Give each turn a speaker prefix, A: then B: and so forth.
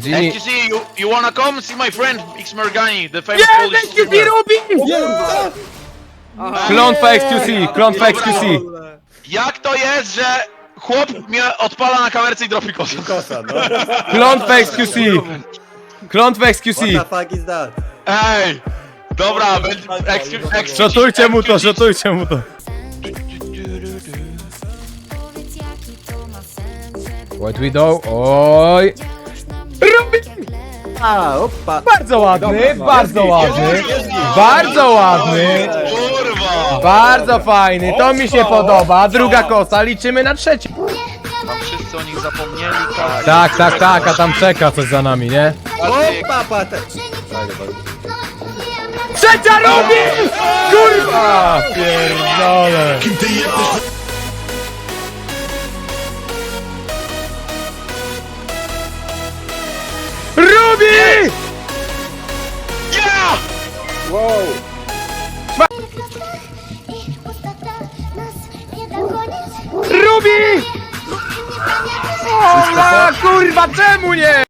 A: Jimmy.
B: XQC, you wanna come see my friend X Mergani, the famous
A: Yeah,
B: Polish
A: XQC
B: streamer.
A: robi! Klątwa XQC, klątwa XQC.
B: Jak to jest, że chłop mnie odpala na kamerce i dropi kosę?
C: Kosa, no.
A: Klątwa XQC. Klątwa XQC.
C: What the fuck is that?
B: Ej! Dobra, XQC.
A: Szotujcie mu to, szotujcie mu to. What we do? Oj. Robi!
C: A, opa.
A: Bardzo ładny, bardzo ładny. Bardzo ładny.
B: Kurwa!
A: Bardzo fajny, to mi się podoba. Druga kosa, liczymy na trzeci.
B: Tam wszyscy o nich zapomnieli,
A: Tak, a tam czeka coś za nami, nie?
C: Opa, pata.
A: Trzecia robi! Kurwa! Pierdolę. Rubi!
B: Yeah!
A: Rubi! O, kurwa, czemu nie?